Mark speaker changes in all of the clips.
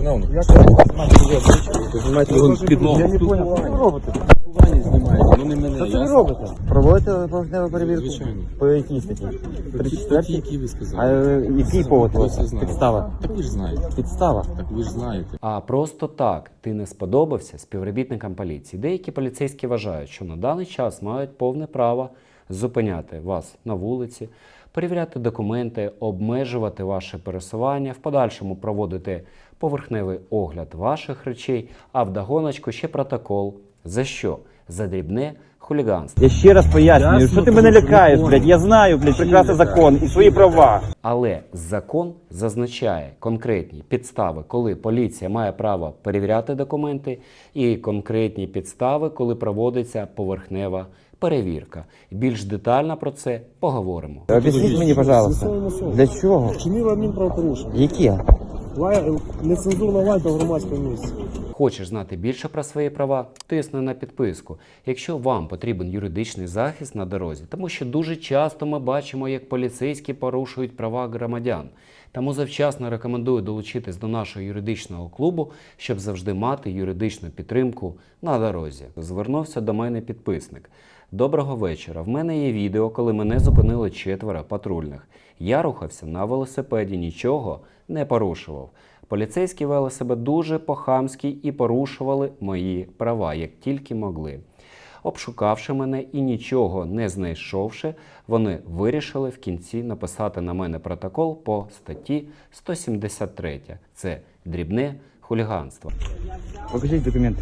Speaker 1: Шановно,
Speaker 2: Я
Speaker 1: ви знімаєте його підлогу.
Speaker 2: Я не понял, що ви робите?
Speaker 1: Пані знімаєте, ну не мене.
Speaker 2: Що це ви робите? Проводите поверхневу перевірку?
Speaker 1: Звичайно.
Speaker 2: По якій статті?
Speaker 1: Статті, які ви
Speaker 2: А
Speaker 1: сказали.
Speaker 2: який повод?
Speaker 1: Ви все знаєте.
Speaker 2: Підстава?
Speaker 1: Так ви ж знаєте.
Speaker 2: Підстава?
Speaker 1: Так ви ж знаєте.
Speaker 3: А просто так ти не сподобався співробітникам поліції. Деякі поліцейські вважають, що на даний час мають повне право зупиняти вас на вулиці, перевіряти документи, обмежувати ваше пересування, в подальшому проводити поверхневий огляд ваших речей, а вдогоночку ще протокол. За що? За дрібне хуліганство.
Speaker 2: Я ще раз пояснюю,
Speaker 1: Ясно,
Speaker 2: що ти мене
Speaker 1: тому що
Speaker 2: лякаєш,
Speaker 1: не
Speaker 2: блядь, я знаю, блядь, прекрасно
Speaker 1: лякаєш?
Speaker 2: закон і свої права.
Speaker 3: Але закон зазначає конкретні підстави, коли поліція має право перевіряти документи, і конкретні підстави, коли проводиться поверхнева перевірка. Більш детально про це поговоримо.
Speaker 2: Об'ясніть мені, пожалуйста, для чого?
Speaker 4: Вчинили адмінправопорушення.
Speaker 2: Яке?
Speaker 4: Нецензурна лайка в громадському місці.
Speaker 3: Хочеш знати більше про свої права? Тисни на підписку. Якщо вам потрібен юридичний захист на дорозі, тому що дуже часто ми бачимо, як поліцейські порушують права громадян. Тому завчасно рекомендую долучитись до нашого юридичного клубу, щоб завжди мати юридичну підтримку на дорозі. Звернувся до мене підписник. Доброго вечора. В мене є відео, коли мене зупинили 4 патрульних. Я рухався на велосипеді, нічого не порушував. Поліцейські вели себе дуже по-хамськи і порушували мої права, як тільки могли. Обшукавши мене і нічого не знайшовши, вони вирішили в кінці написати на мене протокол по статті 173. Це дрібне хуліганство.
Speaker 2: Покажіть документи.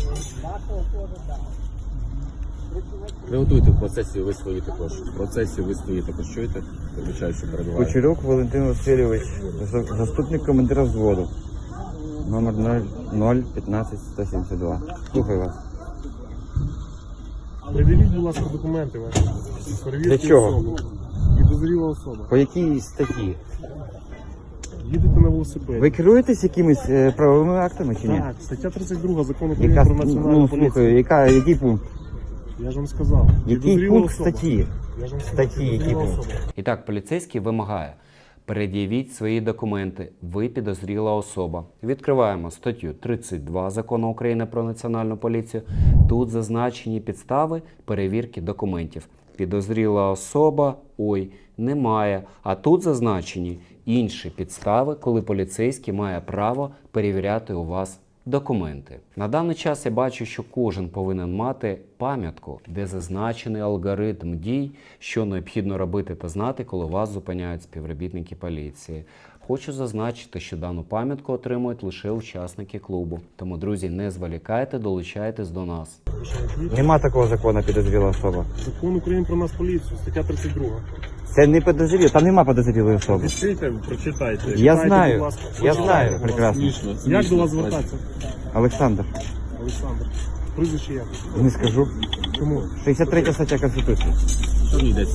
Speaker 1: Приготуйте в процесі, ви свої також. В процесі ви свої також чуєте? Вибачаю, що перебуваю.
Speaker 2: Кучерюк Валентин Васильович, заступник командира взводу. Номер 015-172. Слухаю вас.
Speaker 4: Придивіть, будь ласка, документи ваші. Перевірте
Speaker 2: Для чого?
Speaker 4: особу. Підозріла особа.
Speaker 2: По якій статті?
Speaker 4: Їдете на велосипеді.
Speaker 2: Ви керуєтесь якимись правовими актами чи ні?
Speaker 4: Так, стаття 32 Закону України
Speaker 2: Яка,
Speaker 4: про національну
Speaker 2: ну,
Speaker 4: поліцію.
Speaker 2: слухаю, який пункт?
Speaker 4: Я ж вам сказав.
Speaker 2: Який
Speaker 4: Підозріла
Speaker 2: пункт
Speaker 4: особа.
Speaker 2: статті?
Speaker 4: Я ж вам сказав,
Speaker 2: Статті, який
Speaker 4: підозріла
Speaker 2: пункт?
Speaker 4: особа.
Speaker 3: І так, поліцейський вимагає: пред'явіть свої документи, ви підозріла особа. Відкриваємо статтю 32 Закону України про національну поліцію. Тут зазначені підстави перевірки документів. Підозріла особа, немає. А тут зазначені інші підстави, коли поліцейський має право перевіряти у вас документи. На даний час я бачу, що кожен повинен мати пам'ятку, де зазначений алгоритм дій, що необхідно робити та знати, коли вас зупиняють співробітники поліції. Хочу зазначити, що дану пам'ятку отримують лише учасники клубу. Тому, друзі, не зволікайте, долучайтесь до нас.
Speaker 2: Нема такого закону підозріла особа.
Speaker 4: Закон України про нас поліцію, стаття 32.
Speaker 2: Це не підозріло, там нема підозрілої особи.
Speaker 4: Відкрийте, прочитайте.
Speaker 2: Я
Speaker 4: Читайте,
Speaker 2: знаю,
Speaker 4: будь ласка.
Speaker 2: я
Speaker 4: Почитайте,
Speaker 2: знаю
Speaker 4: будь ласка.
Speaker 2: прекрасно.
Speaker 4: Як до вас звертатися?
Speaker 2: Олександр,
Speaker 4: Олександр. Прізвище як?
Speaker 2: не скажу.
Speaker 4: Чому?
Speaker 2: 63 стаття Конституції.
Speaker 1: Що мені йдеться?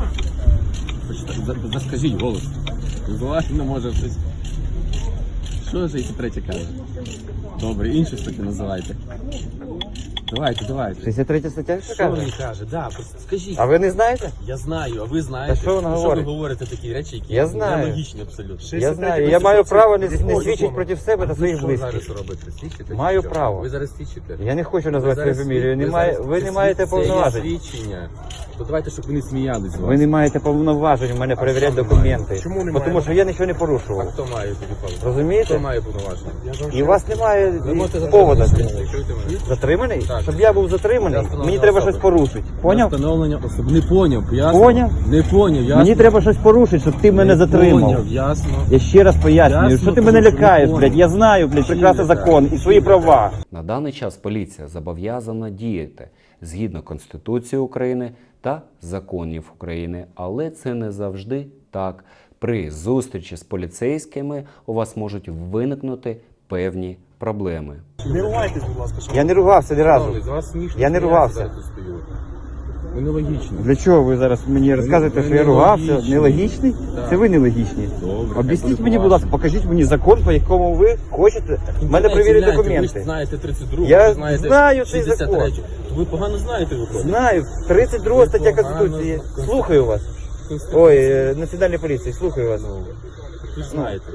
Speaker 1: Заскажіть голос. Визивати не може щось. Що за 63 каже? Добре, іншу статтю називайте. Давайте.
Speaker 2: 63 стаття?
Speaker 5: Що він каже? Да, скажіть.
Speaker 2: А ви не знаєте?
Speaker 5: Я знаю, а ви знаєте.
Speaker 2: Та що вона
Speaker 5: ви
Speaker 2: говорить?
Speaker 5: говорите такі речі, які
Speaker 2: Я знаю.
Speaker 5: нелогічні абсолютно.
Speaker 2: Я знаю, я маю право не свідчити проти себе та своїх
Speaker 5: Що
Speaker 2: близьких.
Speaker 5: зараз робите? Свідчите?
Speaker 2: Маю
Speaker 5: Чи що?
Speaker 2: право.
Speaker 5: Ви зараз свідчите?
Speaker 2: Я не хочу назвати свою фамілію. Ви не маєте
Speaker 5: Це
Speaker 2: повноважень.
Speaker 5: є свідчення.
Speaker 1: То давайте, щоб ви не сміялись з вас.
Speaker 2: Ви не маєте повноважень у мене перевіряти документи.
Speaker 4: Чому немає?
Speaker 2: Тому що я нічого не
Speaker 5: А
Speaker 2: порушував.
Speaker 5: хто має тоді право? Хто
Speaker 2: Розумієте?
Speaker 5: має повноваження?
Speaker 4: Я ж вам
Speaker 2: І у вас немає
Speaker 5: Ви можете
Speaker 2: повода.
Speaker 5: затримати. Чуєте мене?
Speaker 2: Затриманий?
Speaker 5: Так.
Speaker 2: Щоб я був затриманий,
Speaker 5: Я
Speaker 2: мені треба
Speaker 5: особа.
Speaker 2: щось порушити. Поняв?
Speaker 1: Встановлення особи. Не поняв, ясно?
Speaker 2: Поняв?
Speaker 1: Не поняв, ясно?
Speaker 2: Мені треба щось порушити, щоб ти мене затримав.
Speaker 1: Поняв, ясно.
Speaker 2: Я ще раз пояснюю,
Speaker 1: Ясно,
Speaker 2: що ти мене
Speaker 1: тому що
Speaker 2: лякаєш,
Speaker 1: не
Speaker 2: блядь. Я знаю, блядь, прекрасно закон і свої права.
Speaker 3: На даний час поліція зобов'язана діяти згідно Конституції України та законів України, але це не завжди так. При зустрічі з поліцейськими у вас можуть виникнути певні проблеми.
Speaker 4: Не ругайтесь, будь ласка.
Speaker 2: Я не ругався ні разу.
Speaker 5: Шановний, з вас смішно.
Speaker 2: Я не ругався.
Speaker 5: Я зараз тут стою.
Speaker 1: Ви нелогічні.
Speaker 2: Для чого ви зараз мені розказуєте, що я ругався? Нелогічний? Це ви нелогічні.
Speaker 1: Добре.
Speaker 2: Об'ясніть мені, будь ласка, покажіть мені закон, по якому ви хочете в мене перевірити
Speaker 5: Ви ж
Speaker 2: документи.
Speaker 5: знаєте 32,
Speaker 2: Я
Speaker 5: ви знаєте
Speaker 2: знаю цей
Speaker 5: 63.
Speaker 2: закон.
Speaker 5: Ви погано знаєте виходить?
Speaker 2: Знаю, 32 стаття Конституції. Слухаю вас. Ой, Національної поліції, слухаю вас.
Speaker 5: Ви ж знаєте.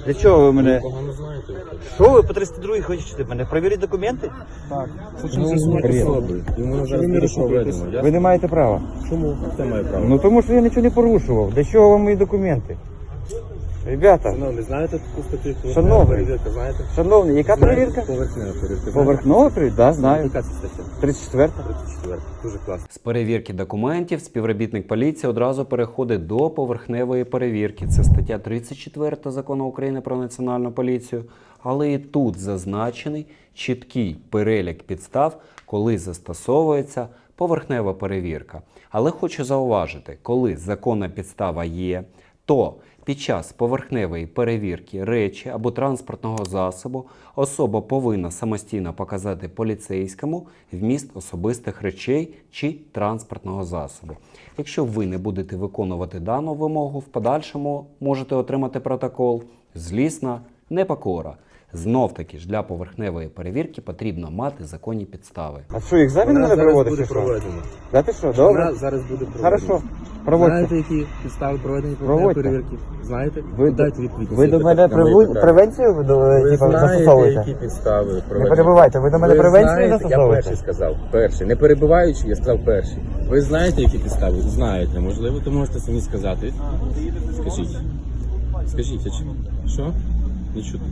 Speaker 2: Для чого ви мене?
Speaker 5: Погано знаєте його.
Speaker 2: Що ви по 302 хочете мене? Перевіріть документи?
Speaker 4: Так.
Speaker 5: Ну,
Speaker 4: Хочемо з'ясувати
Speaker 2: привіт.
Speaker 4: особу.
Speaker 5: Йому
Speaker 4: Що
Speaker 5: зараз
Speaker 4: ви не
Speaker 5: буде
Speaker 4: розшукуєтесь?
Speaker 5: проведено.
Speaker 2: Ви не маєте права.
Speaker 4: Чому?
Speaker 5: Це має право.
Speaker 2: Ну тому що я нічого не порушував. Для чого вам мої документи? Ребята,
Speaker 5: Ну, не знаєте таку статтю?
Speaker 2: Шановний.
Speaker 5: Перевірка, знаєте?
Speaker 2: шановні, яка перевірка?
Speaker 5: Поверхнева перевірка.
Speaker 2: Поверхнова перевірка? Так, знаю.
Speaker 5: Яка це стаття?
Speaker 2: 34.
Speaker 5: 34. Дуже класно.
Speaker 3: З перевірки документів співробітник поліції одразу переходить до поверхневої перевірки. Це стаття 34 Закону України про національну поліцію. Але і тут зазначений чіткий перелік підстав, коли застосовується поверхнева перевірка. Але хочу зауважити, коли законна підстава є, то під час поверхневої перевірки речі або транспортного засобу особа повинна самостійно показати поліцейському вміст особистих речей чи транспортного засобу. Якщо ви не будете виконувати дану вимогу, в подальшому можете отримати протокол «Злісна непокора». Знов-таки ж для поверхневої перевірки потрібно мати законні підстави.
Speaker 2: А що, екзамен
Speaker 5: Вона
Speaker 2: мене
Speaker 5: зараз
Speaker 2: проводить?
Speaker 5: буде
Speaker 2: чи що?
Speaker 5: проведена.
Speaker 2: Да ти що, добре?
Speaker 5: Вона зараз буде проведена.
Speaker 2: Хорошо, проводьте.
Speaker 5: Знаєте, які підстави проведення
Speaker 2: Проводьте.
Speaker 5: перевірки? Знаєте?
Speaker 2: Ви,
Speaker 5: Дайте відповідь.
Speaker 2: ви до
Speaker 5: Всі
Speaker 2: мене
Speaker 5: питання. На мої питання.
Speaker 2: превенцію
Speaker 5: Ви
Speaker 2: типу,
Speaker 5: знаєте,
Speaker 2: застосовуєте?
Speaker 5: які підстави
Speaker 2: Не
Speaker 5: проведення?
Speaker 2: перебивайте, ви до мене превенцію
Speaker 5: знаєте,
Speaker 2: застосовуєте?
Speaker 5: Я перший сказав. Перший. Не перебиваючи, я сказав перший. Ви знаєте, які підстави? Знаєте. Можливо, то можете самі сказати. Скажіть. Скажіть, а чому? Що? Не чути.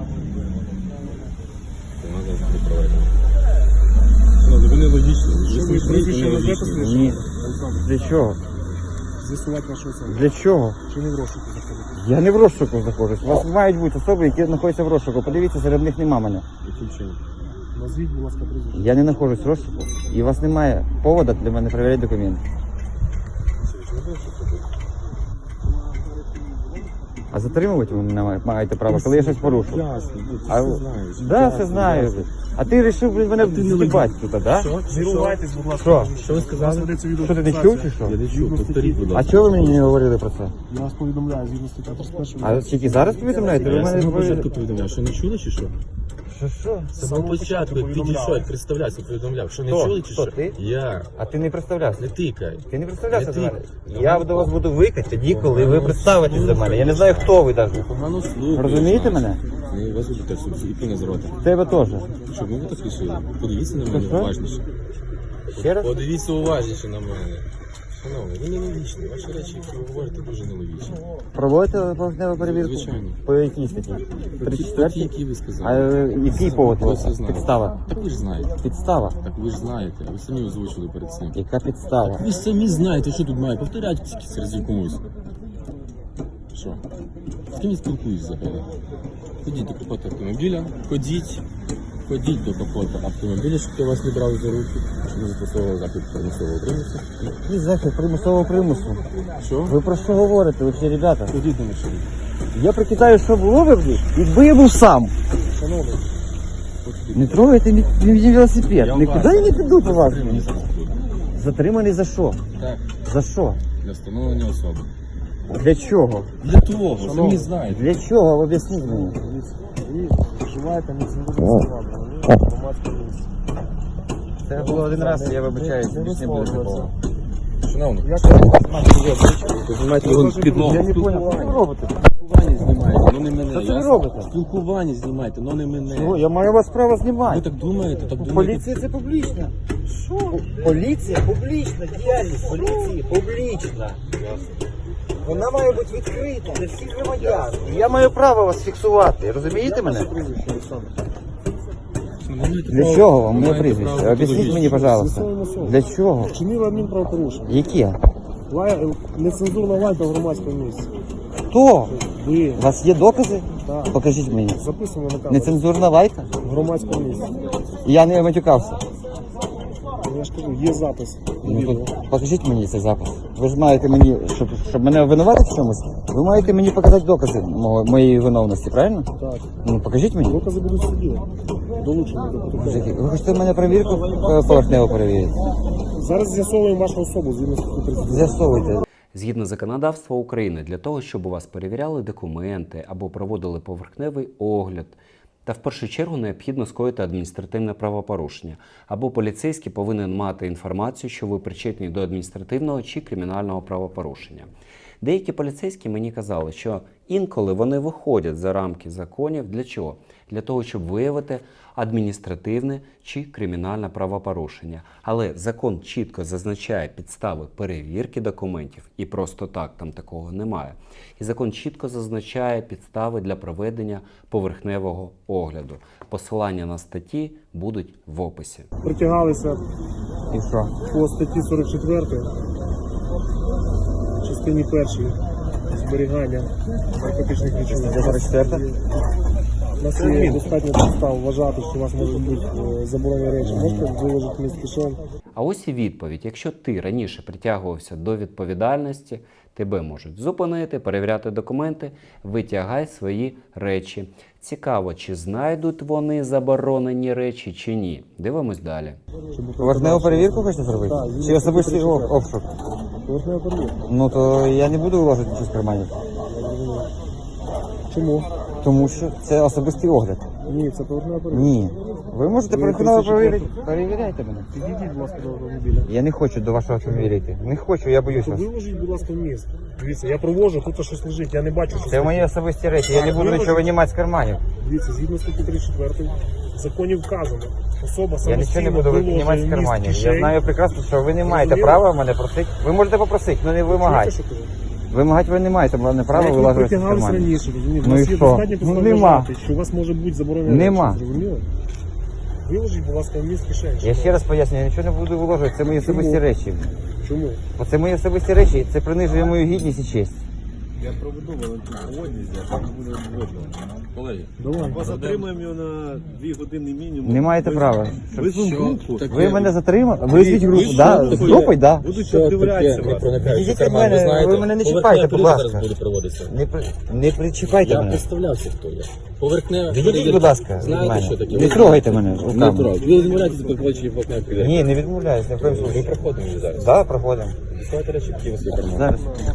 Speaker 5: Вона зараз буде проведена. Ну, ви нелогічні. Ви
Speaker 4: ви
Speaker 5: смішні і
Speaker 4: прізвище назвете
Speaker 5: нелогічні.
Speaker 4: своє?
Speaker 2: Ні.
Speaker 4: Олександр,
Speaker 2: Для чого?
Speaker 4: з'ясувати вашу особу.
Speaker 2: Для чого?
Speaker 4: Чи не в розшуку заходите?
Speaker 2: Я не в розшуку знаходжусь. У вас мають бути особи, які знаходяться в розшуку. Подивіться, серед них нема мене.
Speaker 5: Яким чином?
Speaker 4: Назвіть, будь ласка, прізвище.
Speaker 2: Я не знаходжусь в розшуку. І у вас немає поводу для мене перевіряти документи.
Speaker 5: Чи не будете робити?
Speaker 2: А затримувати ви мене маєте право, коли я щось порушу.
Speaker 5: Ясно, ти
Speaker 2: А
Speaker 5: все
Speaker 2: ви-
Speaker 5: знаєш.
Speaker 2: Да,
Speaker 5: Ясно,
Speaker 2: все знаю.
Speaker 5: ясно.
Speaker 2: А ти вирішив блін, мене
Speaker 5: ти не
Speaker 2: з'їбати тут, да?
Speaker 5: Що?
Speaker 4: Зірувайтесь, будь ласка.
Speaker 2: Що?
Speaker 5: Що ви сказали?
Speaker 4: У нас ведеться
Speaker 2: Що ти не чув чи що?
Speaker 5: Я не чув, повторіть, будь
Speaker 2: А
Speaker 5: ласка.
Speaker 2: чого ви мені не говорили про це?
Speaker 4: Я вас повідомляю, згідно стаття 31.
Speaker 2: А тільки зараз повідомляєте? Ви
Speaker 5: Я з
Speaker 2: мене
Speaker 5: самого початку
Speaker 2: говорили.
Speaker 5: повідомляв, що не чули чи що?
Speaker 2: Що?
Speaker 5: З самого початку підійшов, представлявся, повідомляв, що не
Speaker 2: Хто?
Speaker 5: чули чи
Speaker 2: Хто,
Speaker 5: що?
Speaker 2: ти?
Speaker 5: Я.
Speaker 2: А ти не представлявся?
Speaker 5: Не тикай.
Speaker 2: Ти не представлявся
Speaker 5: Не
Speaker 2: до мене?
Speaker 5: тикай.
Speaker 2: Я до вас буду викати тоді, коли ви представитесь до мене. Я не знаю, хто ви навіть.
Speaker 5: Погано слухаєш.
Speaker 2: Розумієте
Speaker 5: нас.
Speaker 2: мене?
Speaker 5: Ну, вас будете і не з рота.
Speaker 2: Тебе теж.
Speaker 5: Щоб ми так рішили? Подивіться на мене
Speaker 2: Що?
Speaker 5: уважніше.
Speaker 2: Ще раз?
Speaker 5: Подивіться уважніше на мене. Шановний, ви нелогічні. Ваші речі, які ви говорите, дуже нелогічні.
Speaker 2: Проводите поверхневу перевірку?
Speaker 5: Звичайно.
Speaker 2: По якій статті?
Speaker 5: Ті,
Speaker 2: 34?
Speaker 5: які ви
Speaker 2: А
Speaker 5: сказали.
Speaker 2: який повод у
Speaker 5: Ви
Speaker 2: вас?
Speaker 5: все знаєте.
Speaker 2: Підстава.
Speaker 5: Так ви ж знаєте.
Speaker 2: Підстава.
Speaker 5: Так ви ж знаєте. Ви самі озвучили перед цим.
Speaker 2: Яка підстава?
Speaker 5: Ви ж самі знаєте, що тут має. Повторяйте скільки разів комусь. Що? З ким я спілкуюсь взагалі? Ходіть до капота автомобіля, ходіть до капота автомобіля, щоб я вас не брав за руки, щоб не застосовували захід примусового примусу.
Speaker 2: Який захід примусового примусу?
Speaker 5: Що?
Speaker 2: Ви про що говорите, ви всі ребята?
Speaker 5: Ходіть до машини.
Speaker 2: Я прикидаю, що було би, якби я був сам.
Speaker 4: Шановний,
Speaker 2: Не трогайте мій велосипед. Нікуди я не піду по вас.
Speaker 5: Затриманий зараз буде.
Speaker 2: Затриманий за що?
Speaker 5: Так,
Speaker 2: За що?
Speaker 5: для встановлення особи.
Speaker 2: Для чого?
Speaker 5: Для того, самі знаєте.
Speaker 2: Для чого? Об'ясніть мені.
Speaker 4: дивіться, ви вживаєте нецензурні слова, в громадському місці.
Speaker 2: Це було один раз, я вибачаюсь, більше не буде такого.
Speaker 5: Шановний,
Speaker 4: Як
Speaker 5: ви знімаєте його підлогу.
Speaker 2: Я не понял, що ви робите?
Speaker 5: Спілкування знімаєте, но не мене.
Speaker 2: Що це ви
Speaker 5: ясно?
Speaker 2: робите?
Speaker 5: Спілкування знімайте, но не мене.
Speaker 2: Чого? Я маю вас право
Speaker 5: Ви
Speaker 2: знімати.
Speaker 5: так думаєте, так думаєте.
Speaker 2: Поліція це публічна. Що? Поліція публічна, діяльність поліції публічна. Вона має бути відкрита для всіх громадян. І я маю право вас фіксувати, розумієте мене?
Speaker 4: прізвище, Олександр?
Speaker 5: Ви маєте
Speaker 2: Для
Speaker 5: право-
Speaker 2: чого вам
Speaker 5: ви
Speaker 2: моє
Speaker 5: маєте
Speaker 2: прізвище?
Speaker 5: право
Speaker 2: Об'ясніть
Speaker 5: подивитися.
Speaker 2: мені, пожалуйста.
Speaker 4: З'ясовуємо особу.
Speaker 2: Для чого?
Speaker 4: Вчинили адмінправопорушення.
Speaker 2: Яке?
Speaker 4: Нецензурна лайка в громадському місці.
Speaker 2: Хто?
Speaker 4: Ви
Speaker 2: У вас є докази?
Speaker 4: Так.
Speaker 2: Покажіть мені.
Speaker 4: записано на камеру
Speaker 2: Нецензурна лайка?
Speaker 4: в громадському місці.
Speaker 2: Я не матюкався.
Speaker 4: Я ж кажу, є запис.
Speaker 2: Ну,
Speaker 4: відео.
Speaker 2: то покажіть мені цей запис. Ви ж маєте мені, щоб мене обвинуватити в чомусь, ви маєте мені показати докази моєї виновності, правильно?
Speaker 4: Так.
Speaker 2: Ну покажіть мені.
Speaker 4: Докази будуть в суді. Долучені до протоколу.
Speaker 2: Мужики, ви хочете мене перевірку поверхнево перевірити?
Speaker 4: Зараз з'ясовуємо вашу особу згідно статті 30.
Speaker 2: З'ясовуйте.
Speaker 3: Згідно законодавства України, для того, щоб у вас перевіряли документи або проводили поверхневий огляд, та в першу чергу необхідно скоїти адміністративне правопорушення, або поліцейський повинен мати інформацію, що ви причетні до адміністративного чи кримінального правопорушення. Деякі поліцейські мені казали, що інколи вони виходять за рамки законів. Для чого? Для того, щоб виявити адміністративне чи кримінальне правопорушення. Але закон чітко зазначає підстави перевірки документів, і просто так там такого немає. І закон чітко зазначає підстави для проведення поверхневого огляду. Посилання на статті будуть в описі.
Speaker 4: Притягалися
Speaker 2: І що?
Speaker 4: по статті 44, частині 1 зберігання наркотичних речовин.
Speaker 2: 44?
Speaker 4: У нас є достатньо підстав вважати, що у вас можуть бути заборонені речі. Можете виложити міст кишень.
Speaker 3: А ось і відповідь. Якщо ти раніше притягувався до відповідальності, тебе можуть зупинити, перевіряти документи, витягай свої речі. Цікаво, чи знайдуть вони заборонені речі, чи ні. Дивимось далі.
Speaker 2: Поверхневу перевірку хочете зробити?
Speaker 4: Так,
Speaker 2: Чи особистий обшук?
Speaker 4: Поверхнева перевірка.
Speaker 2: Ну то я не буду вложити нічого з карманів.
Speaker 4: Чому?
Speaker 2: Тому що це особистий огляд.
Speaker 4: Ні, це поверхнева перевірка.
Speaker 2: Ні. Ви можете
Speaker 4: Ви
Speaker 2: поверхнево
Speaker 4: 34.
Speaker 2: перевірити. Перевіряйте мене.
Speaker 4: Підійдіть, будь ласка, до автомобіля.
Speaker 2: Я не хочу до вашого автомобіля йти. Не хочу, я боюсь
Speaker 4: То
Speaker 2: вас.
Speaker 4: виложіть, будь ласка, міст. Дивіться, я провожу, тут щось лежить, я не бачу, що
Speaker 2: Це мої особисті речі, я не буду нічого винімати з карманів.
Speaker 4: Дивіться, згідно статті 34 в законі вказано, особа
Speaker 2: Я нічого не буду
Speaker 4: виложує
Speaker 2: винімати з
Speaker 4: міст
Speaker 2: карманів. Я
Speaker 4: кишень.
Speaker 2: знаю прекрасно, що ви не маєте
Speaker 4: Розумієте?
Speaker 2: права мене просити. Ви можете попросити, але не вимагати.
Speaker 4: Чуєте, що кажу?
Speaker 2: Вимагати ви не маєте права
Speaker 4: Як ви
Speaker 2: вилажувати з
Speaker 4: притягались
Speaker 2: карманів.
Speaker 4: раніше, розумієте?
Speaker 2: Ну
Speaker 4: У вас
Speaker 2: і
Speaker 4: є
Speaker 2: що?
Speaker 4: достатньо
Speaker 2: Ну,
Speaker 4: підстав
Speaker 2: нема.
Speaker 4: вважати, що у вас може бути заборонені
Speaker 2: Нема.
Speaker 4: речі, зрозуміло? Виложіть, будь ласка, міст кишень.
Speaker 2: Я ще раз пояснюю, я нічого не буду виложувати, це мої особисті речі.
Speaker 4: Чому?
Speaker 2: Бо це мої особисті речі, і це принижує мою гідність і честь.
Speaker 5: Я проведу волонтерську а так буде видно. Колеги,
Speaker 4: Давай.
Speaker 6: Затримаємо його на 2 години мінімум.
Speaker 2: Не маєте права.
Speaker 6: Визвемо групу.
Speaker 2: Ви мене затримали? Визвіть групу, да? З групою, да?
Speaker 6: Будуть обдивлятися вас.
Speaker 2: Відійдіть від мене, ви мене не чіпайте, будь ласка.
Speaker 5: зараз буде проводитися.
Speaker 2: Не причіпайте
Speaker 5: Я
Speaker 2: мене.
Speaker 5: представлявся, хто я. Поверхнева
Speaker 2: Відійдіть, будь ласка, від
Speaker 5: Знаєте,
Speaker 2: мене.
Speaker 5: що таке?
Speaker 2: Не трогайте мене
Speaker 5: Не
Speaker 2: руками.
Speaker 5: трогай. Ви відмовляєтеся по плачі поверхневої перевірки.
Speaker 2: Ні, не відмовляюсь, ні в коєму
Speaker 5: Ми
Speaker 2: случаю.
Speaker 5: проходимо її зараз.
Speaker 2: Да, проходимо.
Speaker 5: Діставайте речі, які у вас є карман.
Speaker 2: Зараз.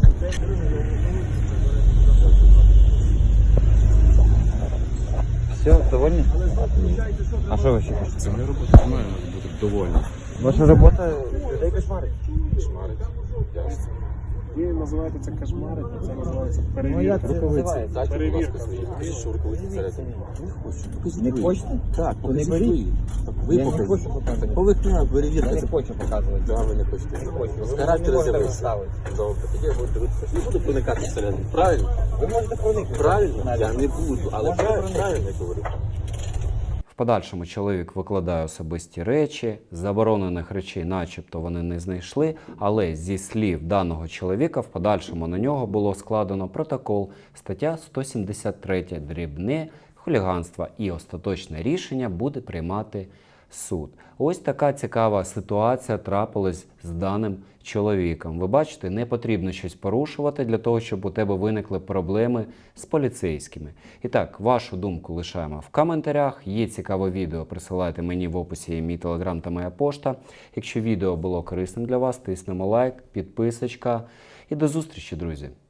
Speaker 2: Все, довольні? А що ви ще хочете?
Speaker 5: Це моя робота, має бути довольна.
Speaker 2: Ваша робота людей кошмарить.
Speaker 5: Шмарить. Ясно.
Speaker 4: Ви називаєте це кошмарить, а це називається
Speaker 2: Ну,
Speaker 4: перевірка.
Speaker 2: як це називається?
Speaker 5: Дайте, будь ласка,
Speaker 4: Перевірка.
Speaker 5: свої. Покажіть, що рукавиці всередині. Не хочу.
Speaker 2: Не хочете?
Speaker 5: Так,
Speaker 2: То не
Speaker 5: покажіть
Speaker 2: беріть.
Speaker 5: свої. Ви
Speaker 2: Я не
Speaker 5: покажіть.
Speaker 2: хочу показувати.
Speaker 5: Поверхнева
Speaker 2: Я
Speaker 5: перевірка.
Speaker 2: не
Speaker 5: Це
Speaker 2: хочу показувати.
Speaker 5: Да, ви не хочете. З
Speaker 2: Ви
Speaker 5: характеру
Speaker 2: не можете
Speaker 5: з'явився.
Speaker 2: розставити.
Speaker 5: Добре, тоді я буду дивитися. Не буду проникати всередину. Правильно?
Speaker 2: Ви можете проникнути.
Speaker 5: Правильно? Я не буду, але
Speaker 2: Можна
Speaker 5: правильно я говорю.
Speaker 3: В подальшому чоловік викладає особисті речі, заборонених речей начебто вони не знайшли, але зі слів даного чоловіка в подальшому на нього було складено протокол, стаття 173 дрібне хуліганство, і остаточне рішення буде приймати суд. Ось така цікава ситуація трапилась з даним чоловіком. Ви бачите, не потрібно щось порушувати для того, щоб у тебе виникли проблеми з поліцейськими. І так, вашу думку лишаємо в коментарях. Є цікаве відео, присилайте мені в описі є мій телеграм та моя пошта. Якщо відео було корисним для вас, тиснемо лайк, підписочка і до зустрічі, друзі!